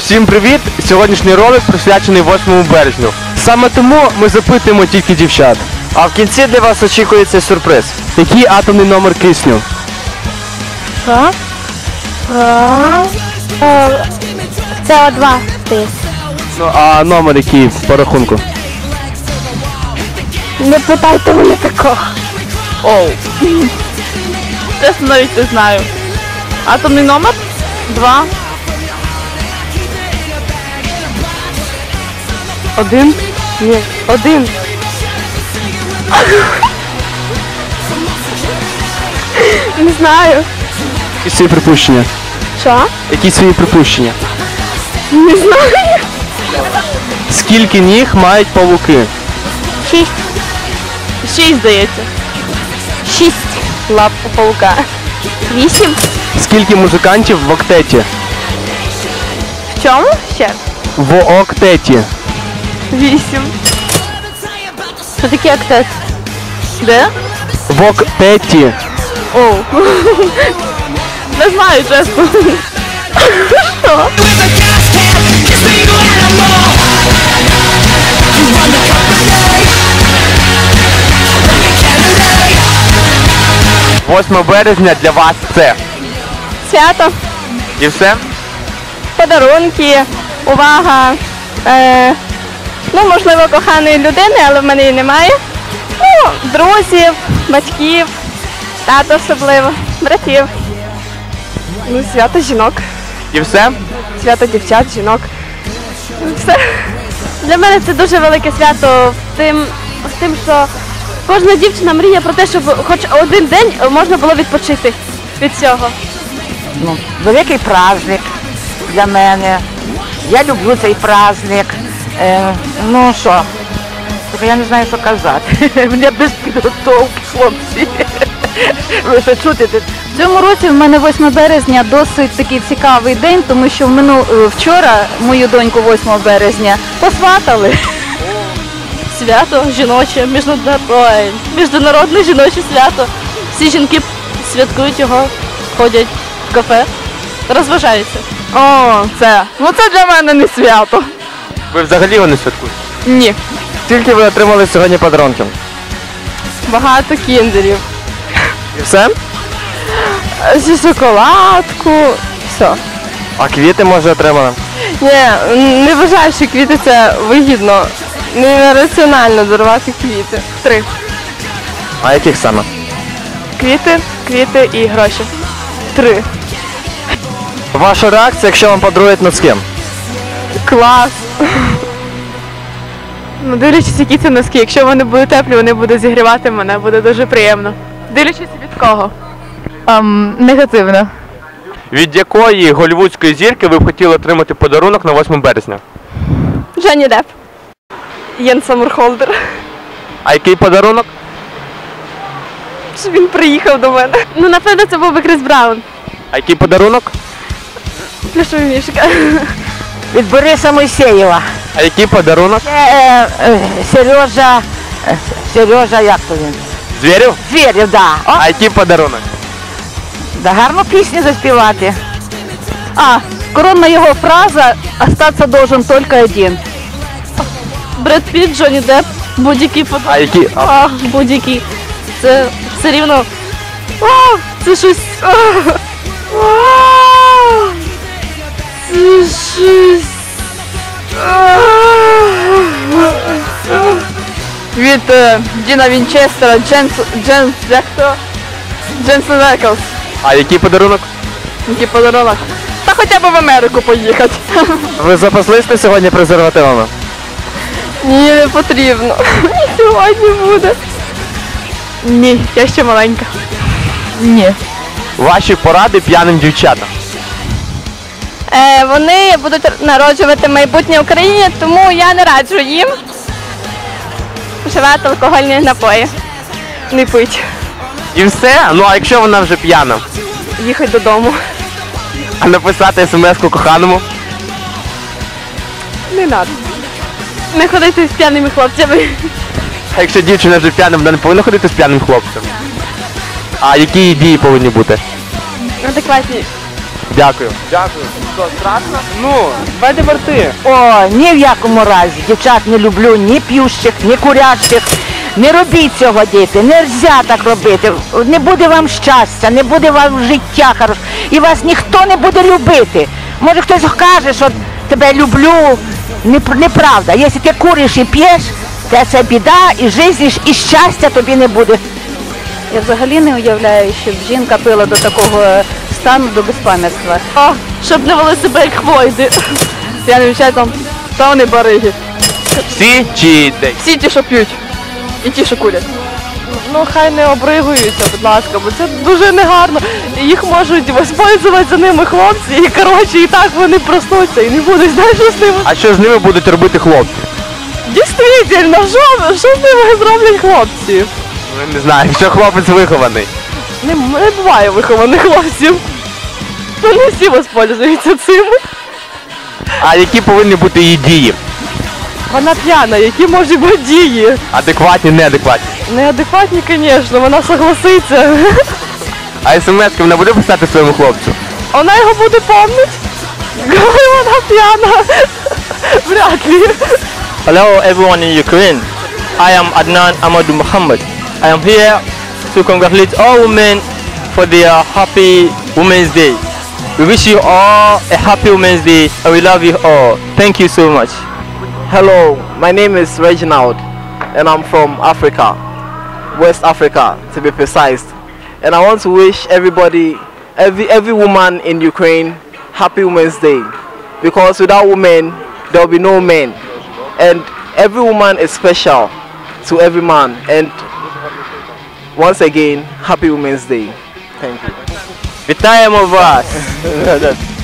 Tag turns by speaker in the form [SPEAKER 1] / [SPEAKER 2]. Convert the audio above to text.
[SPEAKER 1] Всім привіт! Сьогоднішній ролик присвячений 8 березню. Саме тому ми запитуємо тільки дівчат. А в кінці для вас очікується сюрприз. Який атомний номер кисню?
[SPEAKER 2] Що? СО2 десь.
[SPEAKER 1] Ну, а номер який по рахунку?
[SPEAKER 2] Не питайте мене такого.
[SPEAKER 3] Оу. Чесно, навіть не знаю. Атомний номер? 2.
[SPEAKER 2] 1? Ні, 1. Не знаю.
[SPEAKER 1] Які свої припущення?
[SPEAKER 2] Що?
[SPEAKER 1] Які свої припущення?
[SPEAKER 2] Не знаю.
[SPEAKER 1] Скільки ніг мають павуки?
[SPEAKER 2] 6.
[SPEAKER 3] 6, здається.
[SPEAKER 2] 6 лап у паука. 8?
[SPEAKER 1] Скільки музикантів в октеті?
[SPEAKER 2] В чому? Ще?
[SPEAKER 1] В октеті.
[SPEAKER 3] 8.
[SPEAKER 2] Що таке октет?
[SPEAKER 3] Де?
[SPEAKER 1] В октеті.
[SPEAKER 3] Оу. Не знаю, чесно. Що?
[SPEAKER 1] 8 березня для вас це.
[SPEAKER 2] Свято,
[SPEAKER 1] І все?
[SPEAKER 2] подарунки, увага. Ну, можливо, коханої людини, але в мене її немає. Ну, друзів, батьків, тата особливо, братів. Ну, свято жінок,
[SPEAKER 1] І все?
[SPEAKER 2] свято дівчат, жінок. Все. Для мене це дуже велике свято з тим, що кожна дівчина мріє про те, щоб хоч один день можна було відпочити від цього.
[SPEAKER 4] Ну, великий праздник для мене. Я люблю цей праздник. Ну що, тільки я не знаю, що казати. Мене без підготовки, хлопці. Ви що чуєте?
[SPEAKER 5] В цьому році в мене 8 березня досить такий цікавий день, тому що вчора мою доньку 8 березня посватали.
[SPEAKER 3] Свято жіноче, міжнародне жіноче свято. Всі жінки святкують його, ходять в кафе, розважаються.
[SPEAKER 2] О, це. Ну це для мене не свято.
[SPEAKER 1] Ви взагалі його не святкуєте?
[SPEAKER 2] Ні.
[SPEAKER 1] Скільки ви отримали сьогодні подарунків?
[SPEAKER 2] Багато кіндерів.
[SPEAKER 1] І все?
[SPEAKER 2] Зі шоколадку. Все.
[SPEAKER 1] А квіти, може, отримали?
[SPEAKER 2] Ні, не вважаю, що квіти це вигідно. Не раціонально дарувати квіти. 3.
[SPEAKER 1] А яких саме?
[SPEAKER 2] Квіти і гроші. 3.
[SPEAKER 1] Ваша реакція, якщо вам подарують носки?
[SPEAKER 2] Клас. Ну, дивлячись, які це носки. Якщо вони будуть теплі, вони будуть зігрівати мене, буде дуже приємно. Дивлячись від кого?
[SPEAKER 5] Негативно.
[SPEAKER 1] Від якої голлівудської зірки ви б хотіли отримати подарунок на 8 березня?
[SPEAKER 2] Джонні Депп. Єн Саммерхолдер.
[SPEAKER 1] А який подарунок?
[SPEAKER 2] Щоб він приїхав до мене. Ну, напевно, це був би Кріс Браун.
[SPEAKER 1] А який подарунок?
[SPEAKER 2] Плюшовий мішка.
[SPEAKER 4] Від Бориса Мойсеєва.
[SPEAKER 1] А який подарунок?
[SPEAKER 4] Сережа, як то він?
[SPEAKER 1] Звірів?
[SPEAKER 4] Звірів, да. О,
[SPEAKER 1] А який подарунок?
[SPEAKER 4] да гарну пісню заспівати.
[SPEAKER 5] Коронна його фраза «Остаться должен только один».
[SPEAKER 3] Бред Піт, Джонні Депп, будь-який подарунок.
[SPEAKER 1] А який?
[SPEAKER 3] Будь-який. Це все рівно. Це щось. Це щось.
[SPEAKER 2] Від Діна Вінчестера, Дженсен Еклс.
[SPEAKER 1] А який подарунок?
[SPEAKER 2] Який подарунок. Та хоча б в Америку поїхати.
[SPEAKER 1] Ви запаслись на сьогодні презервативами?
[SPEAKER 2] Ні, не потрібно. Сьогодні буде. Ні, я ще маленька.
[SPEAKER 5] Ні.
[SPEAKER 1] Ваші поради п'яним дівчатам.
[SPEAKER 2] Вони будуть народжувати майбутнє Україні, тому я не раджу їм вживати алкогольні напої. Не пить.
[SPEAKER 1] І все? Ну а якщо вона вже п'яна?
[SPEAKER 2] Їхати додому.
[SPEAKER 1] А написати смс-ку коханому?
[SPEAKER 2] Не треба. Не ходити з п'яними хлопцями.
[SPEAKER 1] А якщо дівчина вже п'яна, вона не повинна ходити з п'яним хлопцем? А які дії повинні бути?
[SPEAKER 2] Адекватні.
[SPEAKER 1] Дякую.
[SPEAKER 6] Дякую. Що, страшно? Ну, давайте верти.
[SPEAKER 4] О, ні в якому разі. Дівчат не люблю ні п'ющих, ні курячих. Не робіть цього, діти, не можна так робити. Не буде вам щастя, не буде вам життя хорошого. І вас ніхто не буде любити. Може хтось каже, що тебе люблю. Неправда. Якщо ти куриш і п'єш, це біда, і життя, і щастя тобі не буде.
[SPEAKER 5] Я взагалі не уявляю, щоб жінка пила до такого стану, до безпам'ятства.
[SPEAKER 3] О, щоб не вели себе як хвойди. Я не вивчаю там, та вони бариги.
[SPEAKER 1] Всі чи десь?
[SPEAKER 3] Всі ті, що п'ють. І ті, що курять. Ну, хай не обригуються, будь ласка, бо це дуже негарно. І їх можуть воспользувати за ними хлопці, і коротше, і так вони проснуться і не будуть, знаєш, що з ними.
[SPEAKER 1] А що з ними будуть робити хлопці?
[SPEAKER 3] Дійсно, що з ними зроблять хлопці?
[SPEAKER 1] Ну, не знаю, якщо хлопець вихований.
[SPEAKER 3] Не буває вихованих хлопців. Ну, не всі воспользуються цим.
[SPEAKER 1] А які повинні бути її дії?
[SPEAKER 3] Вона п'яна, які можуть бути дії?
[SPEAKER 1] Адекватні, неадекватні.
[SPEAKER 3] Неадекватні, звісно, вона согласиться.
[SPEAKER 1] А смс-ки вона буде писати своєму хлопцю?
[SPEAKER 3] Вона його буде помнить, коли вона п'яна. Вряд ли.
[SPEAKER 7] Hello everyone in Ukraine. I am Adnan Amadou Mohammed. I am here to congratulate all women for their happy Women's Day. We wish you all a happy Women's Day and we love you all. Thank you so much.
[SPEAKER 6] Hello, my name is Reginald and I'm from Africa, West Africa to be precise. And I want to wish everybody, every woman in Ukraine, happy Women's Day. Because without women, there will be no men. And every woman is special to every man. And once again, happy Women's Day. Thank you.
[SPEAKER 7] Вітаємо вас!